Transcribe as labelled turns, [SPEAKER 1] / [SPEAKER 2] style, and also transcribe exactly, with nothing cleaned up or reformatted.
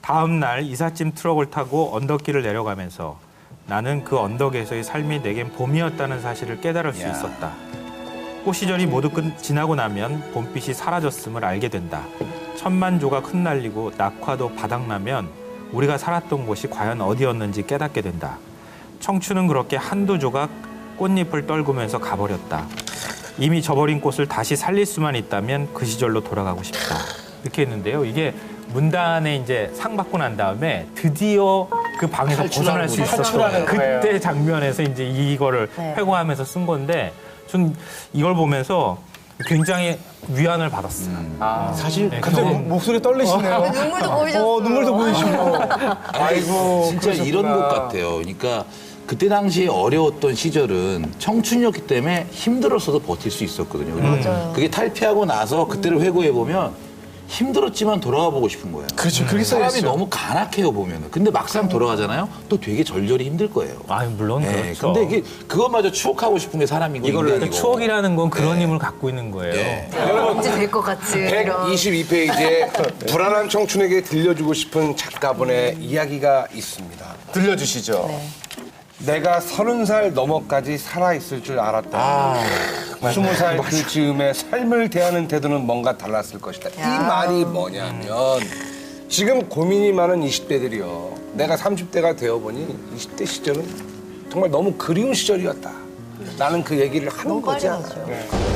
[SPEAKER 1] 다음 날 이삿짐 트럭을 타고 언덕길을 내려가면서 나는 그 언덕에서의 삶이 내겐 봄이었다는 사실을 깨달을 수
[SPEAKER 2] 야.
[SPEAKER 1] 있었다. 꽃 시절이 모두 끝, 지나고 나면 봄빛이 사라졌음을 알게 된다. 천만 조각 흩날리고 낙화도 바닥나면 우리가 살았던 곳이 과연 어디였는지 깨닫게 된다. 청춘은 그렇게 한두 조각 꽃잎을 떨구면서 가버렸다. 이미 져버린 꽃을 다시 살릴 수만 있다면 그 시절로 돌아가고 싶다. 이렇게 했는데요. 이게 문단에 이제 상 받고 난 다음에 드디어 그 방에서 벗어날 수 있었던 그때 장면에서 이제 이거를
[SPEAKER 3] 네.
[SPEAKER 1] 회고하면서 쓴 건데 전 이걸 보면서 굉장히 위안을 받았어요.
[SPEAKER 2] 아, 사실
[SPEAKER 1] 네,
[SPEAKER 4] 갑자기
[SPEAKER 1] 그냥
[SPEAKER 4] 목소리 떨리시네요.
[SPEAKER 3] 눈물도 보이셨어요.
[SPEAKER 4] 어, 눈물도 보이시고. 아이고.
[SPEAKER 2] 진짜 이런 것 같아요. 그러니까 그때 당시에 어려웠던 시절은 청춘이었기 때문에 힘들었어도 버틸 수 있었거든요. 그리고
[SPEAKER 3] 맞아요.
[SPEAKER 2] 그게 탈피하고 나서 그때를 회고해 보면 힘들었지만 돌아가 보고 싶은 거예요.
[SPEAKER 4] 그렇죠. 그렇게
[SPEAKER 2] 사람이
[SPEAKER 4] 써있어요.
[SPEAKER 2] 너무 간악해요 보면은. 근데 막상 돌아가잖아요. 또 되게 절절히 힘들 거예요.
[SPEAKER 1] 아, 물론
[SPEAKER 2] 네,
[SPEAKER 1] 그렇죠.
[SPEAKER 2] 근데 이게 그것마저 추억하고 싶은 게 사람이고
[SPEAKER 1] 이거를
[SPEAKER 2] 인간이고.
[SPEAKER 1] 추억이라는 건 그런
[SPEAKER 2] 네.
[SPEAKER 1] 힘을 갖고 있는 거예요.
[SPEAKER 2] 네.
[SPEAKER 3] 언제 될 것 같지. 이런.
[SPEAKER 5] 백이십이 페이지에 불안한 청춘에게 들려주고 싶은 작가분의 이야기가 있습니다.
[SPEAKER 4] 들려주시죠.
[SPEAKER 3] 네.
[SPEAKER 5] 내가 서른 살 넘어까지 살아있을 줄 알았다. 스무 살 그 즈음에 삶을 대하는 태도는 뭔가 달랐을 것이다. 이
[SPEAKER 3] 야.
[SPEAKER 5] 말이 뭐냐면 지금 고민이 많은 이십 대들이요. 내가 삼십 대가 되어보니 이십 대 시절은 정말 너무 그리운 시절이었다. 나는 그 얘기를 하는
[SPEAKER 3] 너무
[SPEAKER 5] 거지
[SPEAKER 3] 빨리
[SPEAKER 5] 않아요.
[SPEAKER 3] 가죠.
[SPEAKER 5] 네.